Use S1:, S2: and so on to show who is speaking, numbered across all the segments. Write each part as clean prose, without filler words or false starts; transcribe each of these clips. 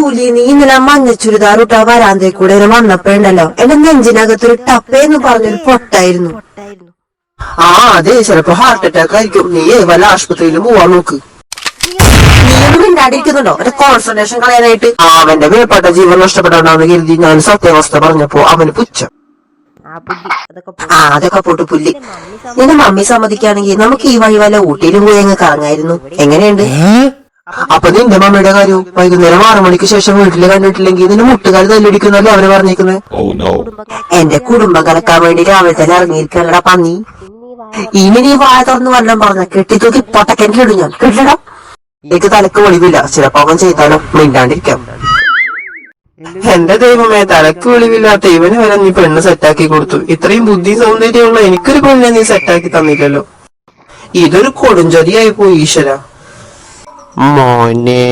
S1: Julie, നീ ഇന്നലെ മഞ്ഞ ചുരിദാർ ഇട്ടാ വരാന്തേ കൂടെ വന്നപ്പോ ഉണ്ടല്ലോ എന്റെ നെഞ്ചിനകത്തൊരു ടപ്പേന്ന് പറഞ്ഞൊരു പൊട്ടായിരുന്നു.
S2: ആ അതെ, ചിലപ്പോ ഹാർട്ട് അറ്റാക്ക് ആയിരിക്കും. നീ വല്ല ആശുപത്രിയിലും പോവാൻ നോക്ക്.
S1: നീയൊന്നും മിണ്ടാടിയിരിക്കുന്നുണ്ടോ എന്റെ കോൺസെൻട്രേഷൻ കളയാനായിട്ട്?
S2: അവന്റെ മേൽപ്പെട്ട ജീവൻ നഷ്ടപ്പെടാണ്ടാന്ന് കരുതി ഞാൻ സത്യാവസ്ഥ പറഞ്ഞപ്പോ അവന് പുച്ഛം.
S1: അതൊക്കെ പോട്ട് പുല്ലി. നിന്റെ മമ്മി സമ്മതിക്കുകയാണെങ്കിൽ നമുക്ക് ഈ വഴി വല്ല ഊട്ടിയിലും പോയി അങ്ങ് കറങ്ങായിരുന്നു. എങ്ങനെയുണ്ട്?
S2: അപ്പൊ നിന്റെ മമ്മിയുടെ കാര്യവും വൈകുന്നേരം 6 മണിക്ക് ശേഷം വീട്ടില് കണ്ടിട്ടില്ലെങ്കിൽ നിന്റെ മുട്ടുകാർ തല്ലിടിക്കുന്നല്ലേ അവര് പറഞ്ഞേക്കുന്നത്.
S1: എന്റെ കുടുംബം കലക്കാൻ വേണ്ടി രാവിലെ തന്നെ ഇറങ്ങിയിരിക്കണടാ പന്നി. ഇനി നീ വായ തുറന്ന് വല്ലതും പറഞ്ഞ കെട്ടിത്തൂക്കി പൊട്ടക്കെട്ടിലിടും ഞാൻ. കേട്ടിടാ,
S2: എനിക്ക് തലക്ക് വെളിവില്ല. ചിലപ്പോ അവൻ ചെയ്താലോ, മിണ്ടാണ്ടിരിക്കാം. എന്റെ ദൈവമേ, തലക്ക് വെളിവില്ലാത്ത ഇവന് വരെ നീ പെണ്ണ് സെറ്റാക്കി കൊടുത്തു. ഇത്രയും ബുദ്ധി സൗന്ദര്യമുള്ള എനിക്കൊരു പെണ്ണെ നീ സെറ്റാക്കി തന്നില്ലല്ലോ. ഇതൊരു കൊടുംചതിയായി പോയി ഈശ്വര. മോനെ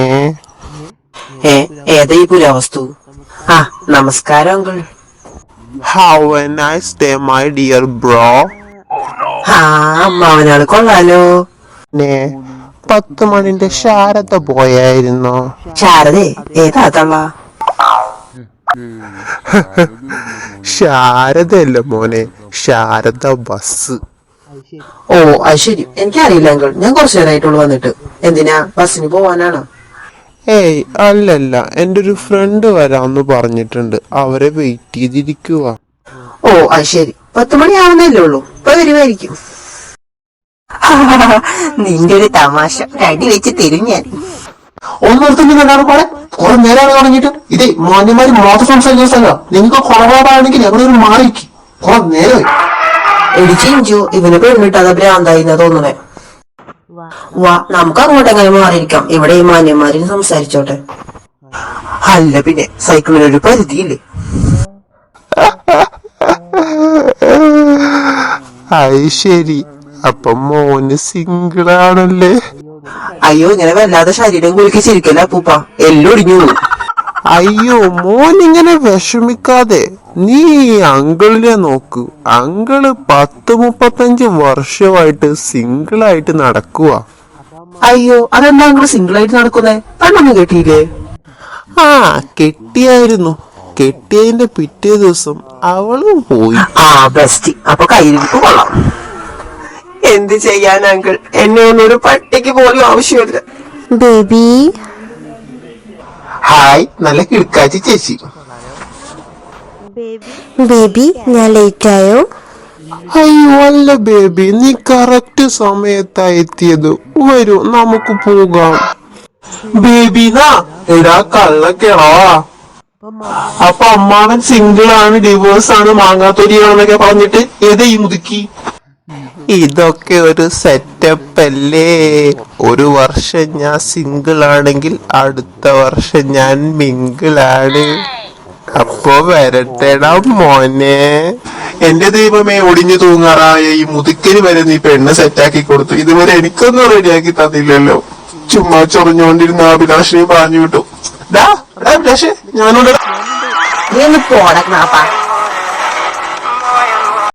S2: ഏതാ ഈ പുരാവസ്തു? ആ നമസ്കാരം uncle.
S3: Have a nice day, my dear bro.
S2: ആ അമ്മാവനാള് കൊള്ളാലോ.
S3: 10 മണിന്റെ ശാരദ പോയായിരുന്നോ?
S2: ശാരദേ, ഏതാ തള്ള?
S3: ശാരദയല്ല മോനെ, ശാരദ ബസ്.
S2: ഓ അത് ശരി, എനിക്കറിയില്ല അങ്കിൾ. ഞാൻ കുറച്ചു നേരമായിട്ടുള്ളൂ വന്നിട്ട്. എന്തിനാ, ബസ്സിന് പോവാനാണോ?
S3: ഏയ് അല്ലല്ല, എന്റെ ഒരു ഫ്രണ്ട് വരാന്ന് പറഞ്ഞിട്ടുണ്ട്. അവരെ വെയിറ്റ് ചെയ്തിരിക്കുക.
S2: ഓ അത് ശരി, 10 മണി ആവുന്നല്ലേ ഉള്ളൂ. ഇപ്പൊ വരുമായിരിക്കും.
S1: നിന്റെ ഒരു തമാശ അടി വെച്ച് തരും ഞാൻ.
S2: ഒന്നിടത്തുനിന്ന് കണ്ടാണ് പോടെ. കുറെ നേരമാണ് തുടങ്ങിയിട്ട്. ഇതേ മാന്യന്മാര് മാത്രം സംസാരിക്കുന്ന സ്ഥലം. നിങ്ങൾക്ക് കുറവാണെങ്കിൽ എവിടെ ഒരു മാറിക്ക്. കുറെ നേരമായി. എടിച്ചിഞ്ചു, ഇവന് പെണ്ണിട്ടത് ഭ്രാന്തായി തോന്നണേ. വാ, നമുക്ക് അങ്ങോട്ട് എങ്ങനെ മാറിയിരിക്കാം. ഇവിടെ ഈ മാന്യന്മാരിന് സംസാരിച്ചോട്ടെ. അല്ല പിന്നെ സൈക്കിളിനൊരു പരിധിയില്ലേ?
S3: അത് ശരി, അപ്പൊ മോന് സിംഗിൾ ആണല്ലേ?
S2: അയ്യോ, ഇങ്ങനെ വല്ലാതെ ശരീരം കുലുക്കി ചിരിക്കല്ല പൂപ്പ, എല്ലൊടിഞ്ഞു.
S3: അയ്യോ മോനിങ്ങനെ വിഷമിക്കാതെ നീ അങ്കിളിനെ നോക്കൂ. അങ്കിള് 10-35 വർഷമായിട്ട് സിംഗിളായിട്ട് നടക്കുക.
S2: അയ്യോ, അതെന്താ അങ്കിള് സിംഗിളായിട്ട് നടക്കുന്നേ? പെണ്ണൊന്നും കെട്ടിയില്ലേ?
S3: ആ കെട്ടിയായിരുന്നു. കെട്ടിയതിന്റെ പിറ്റേ ദിവസം അവളും പോയി.
S2: ആ ബെസ്റ്റ്. അപ്പൊ കയ്യിരിപ്പ് കൊള്ളാം. എന്ത് ചെയ്യാൻ അങ്കിൾ, എന്നെ ഒന്നൊരു പട്ടിക്ക് പോലും ആവശ്യമില്ല.
S1: ബേബി,
S3: ഹായ്, നല്ല കിടക്കാച്ചി ചേച്ചി.
S1: ബേബി ഞാൻ ലേറ്റ് ആയോ?
S3: അയ്യോ അല്ല ബേബി, നീ കറക്റ്റ് സമയത്താ എത്തിയത്. വരൂ നമുക്ക് പോകാം.
S2: ബേബിന്നാ എടാ കള്ളക്കേളവാ. അപ്പൊ അമ്മാവൻ സിംഗിൾ ആണ്, ഡിവോഴ്സ് ആണ്, മാങ്ങാത്തൊരിയാണെന്നൊക്കെ പറഞ്ഞിട്ട് ഏതാ ഈ മുതുക്കി?
S3: ഇതൊക്കെ ഒരു സെറ്റപ്പ് അല്ലേ? 1 വർഷം ഞാൻ സിംഗിൾ ആണെങ്കിൽ അടുത്ത വർഷം ഞാൻ മിംഗിൾ ആണ്. അപ്പൊ വരട്ടെടാ മോനെ.
S2: എന്റെ ദൈവമേ, ഒടിഞ്ഞു തൂങ്ങാറായ ഈ മുതുക്കിന് വരെ നീ പെണ്ണ് സെറ്റാക്കി കൊടുത്തു. ഇതുവരെ എനിക്കൊന്നും റെഡിയാക്കി തന്നില്ലല്ലോ. ചുമ്മാ ചൊറിഞ്ഞുകൊണ്ടിരുന്ന അഭിലാഷിനെ പറഞ്ഞു വിട്ടു. അഭിലാഷേ, ഞാനോട്
S1: നീ ഒന്ന് പോടക്കണപ്പാ.